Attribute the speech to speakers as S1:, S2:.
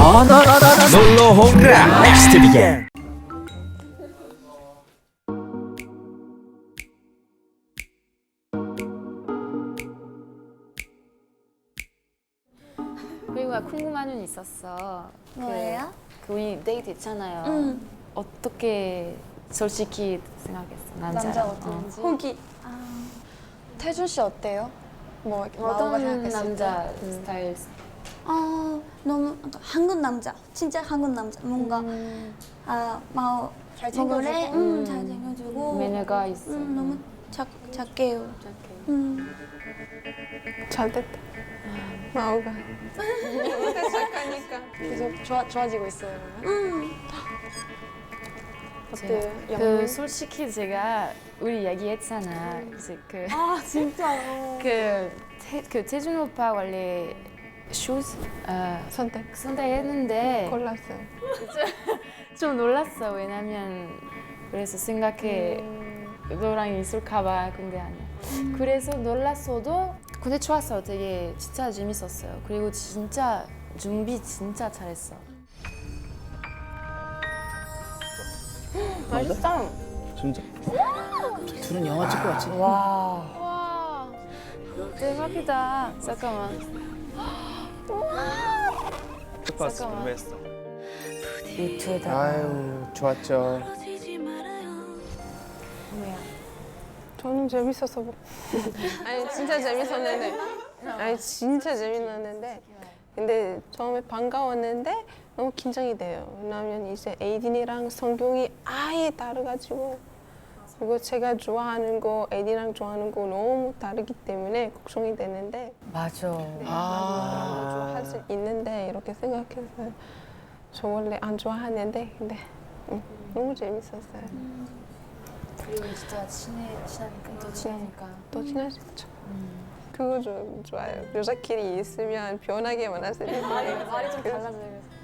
S1: 놀러 오라 넥스트 비겐.
S2: 그리고 나 궁금한 건 있었어.
S3: 뭐예요?
S2: 그 우리 데이트 했잖아요. 어떻게 솔직히 생각했어?
S3: 남자 어떤지?
S4: 호기.
S3: 태준 씨 어때요? 뭐 마오가
S2: 어떤
S3: 생각했을
S2: 남자
S3: 때?
S2: 스타일?
S3: 너무 약간 한국 남자, 진짜 한국 남자. 뭔가 마오
S4: 잘
S3: 먹으래,
S4: 챙겨주고.
S3: 잘 챙겨주고.
S2: 매너가 있어.
S3: 너무 작게요.
S4: 잘 됐다. 마오가. 착하니까.
S3: 계속 좋아지고 있어요.
S4: 어때요?
S2: 그 솔직히 제가 우리 얘기했잖아. 이제
S3: 진짜요?
S2: 그 태준 오빠 원래 슈즈 선택했는데
S4: 골랐어요.
S2: 좀 놀랐어. 왜냐면 그래서 생각해 너랑 있을까봐. 근데 아니야. 그래서 놀랐어도 근데 좋았어. 되게 진짜 재밌었어요. 그리고 진짜 준비 진짜 잘했어. 맛있다.
S1: 진짜.
S5: 둘은 영화 찍고 왔지.
S2: 와 대박이다. 잠깐만. 잠깐만.
S1: 궁금했어.
S2: 유튜브에다가.
S5: 아유 좋았죠.
S2: 뭐야?
S4: 저는 재밌어서 뭐. 아니 진짜 재밌었는데. 아니 진짜 재밌었는데. 근데 처음에 반가웠는데 너무 긴장이 돼요. 왜냐면 이제 에이딘이랑 성경이 아예 다르가지고 그리고 제가 좋아하는 거 에이딘이랑 좋아하는 거 너무 다르기 때문에 걱정이 되는데
S2: 맞아.
S4: 좋아할 수 있는데 이렇게 생각했어요. 저 원래 안 좋아하는데 근데 너무 재밌었어요.
S2: 그리고 진짜 친하니까 더 친하니까.
S4: 또 친할 수 있죠. 그거 좀 좋아요. 여자끼리 있으면 변하게 만날 수 있어요.
S3: 말이 좀 달라져요.